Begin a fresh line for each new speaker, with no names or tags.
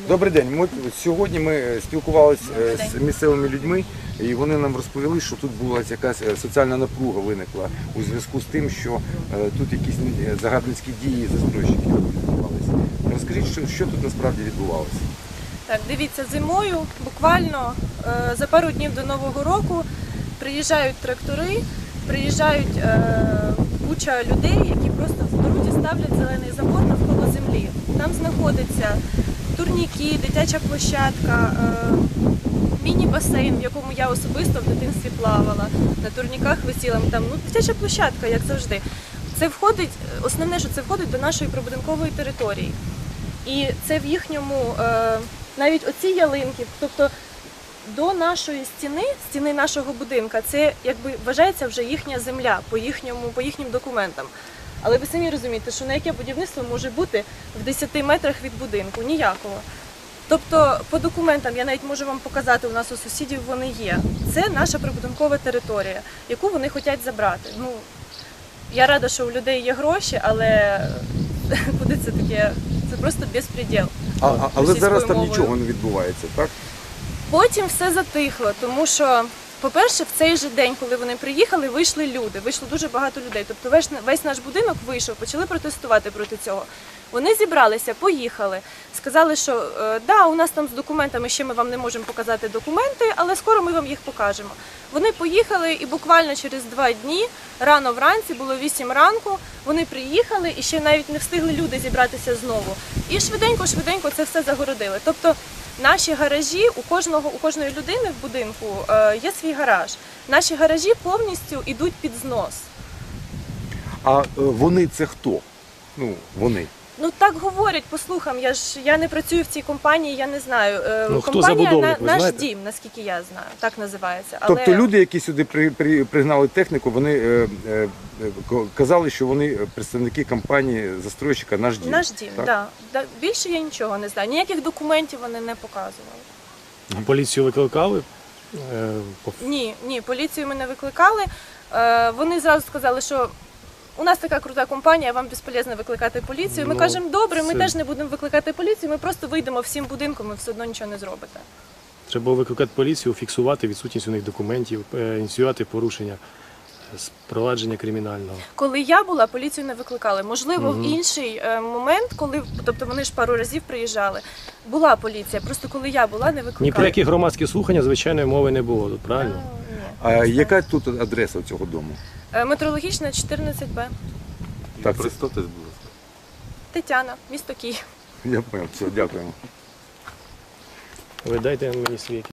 Добрий день. Сьогодні ми спілкувалися з місцевими людьми, і вони нам розповіли, що тут була якась соціальна напруга виникла у зв'язку з тим, що тут якісь загарбницькі дії застройщиків відбувалися. Розкажіть, що тут насправді відбувалося?
Так, дивіться, зимою, буквально за пару днів до Нового року приїжджають трактори, приїжджають куча людей, які просто в дорозі ставлять зелений забор навколо землі. Там знаходиться турніки, дитяча площадка, міні-басейн, в якому я особисто в дитинстві плавала, на турніках висіла, там, дитяча площадка, як завжди. Це входить, основне, що це входить до нашої прибудинкової території. І це в їхньому, навіть оці ялинки, тобто до нашої стіни нашого будинка, це якби вважається вже їхня земля по їхнім документам. Але ви самі розумієте, що на яке будівництво може бути в 10 метрах від будинку? Ніякого. Тобто по документам, я навіть можу вам показати, у нас у сусідів вони є. Це наша прибудинкова територія, яку вони хочуть забрати. Я рада, що у людей є гроші, але куди це таке? Це просто безпреділ.
Але зараз там нічого не відбувається, так?
Потім все затихло, тому що, по-перше, в цей же день, коли вони приїхали, вийшли люди, вийшло дуже багато людей. Тобто весь наш будинок вийшов, почали протестувати проти цього. Вони зібралися, поїхали, сказали, що да, у нас там з документами ще ми вам не можемо показати документи, але скоро ми вам їх покажемо. Вони поїхали і буквально через 2 дні, рано вранці, було 8 ранку, вони приїхали і ще навіть не встигли люди зібратися знову. І швиденько це все загородили. Тобто наші гаражі, у кожної людини в будинку є свій гараж. Наші гаражі повністю йдуть під знос.
А вони це хто? Вони.
Так говорять по слухам, я не працюю в цій компанії, я не знаю.
Хто забудовник, ви
«Наш
знаєте?
дім», наскільки я знаю, так називається.
Тобто люди, які сюди пригнали техніку, вони казали, що вони представники компанії застройщика «Наш дім».
«Наш дім»,
так.
так. Да. Більше я нічого не знаю, ніяких документів вони не показували.
А поліцію викликали?
Ні, поліцію ми не викликали. Вони зразу сказали, що у нас така крута компанія, вам безполезно викликати поліцію. Ми кажемо, добре, ми теж не будемо викликати поліцію, ми просто вийдемо всім будинком і все одно нічого не зробите.
Треба було викликати поліцію, фіксувати відсутність у них документів, ініціювати порушення з провадження кримінального.
Коли я була, поліцію не викликали. Можливо, в інший момент, тобто вони ж пару разів приїжджали, була поліція. Просто коли я була, не викликали.
Ні про які громадські слухання, звичайної мови не було тут, правильно?
Ні.
А яка тут адреса цього дому?
Метрологічна, 14Б.
Так,
Представтесь, будь ласка.
Тетяна, місто Київ.
я понял, все, дякуємо.
Ви дайте мені свій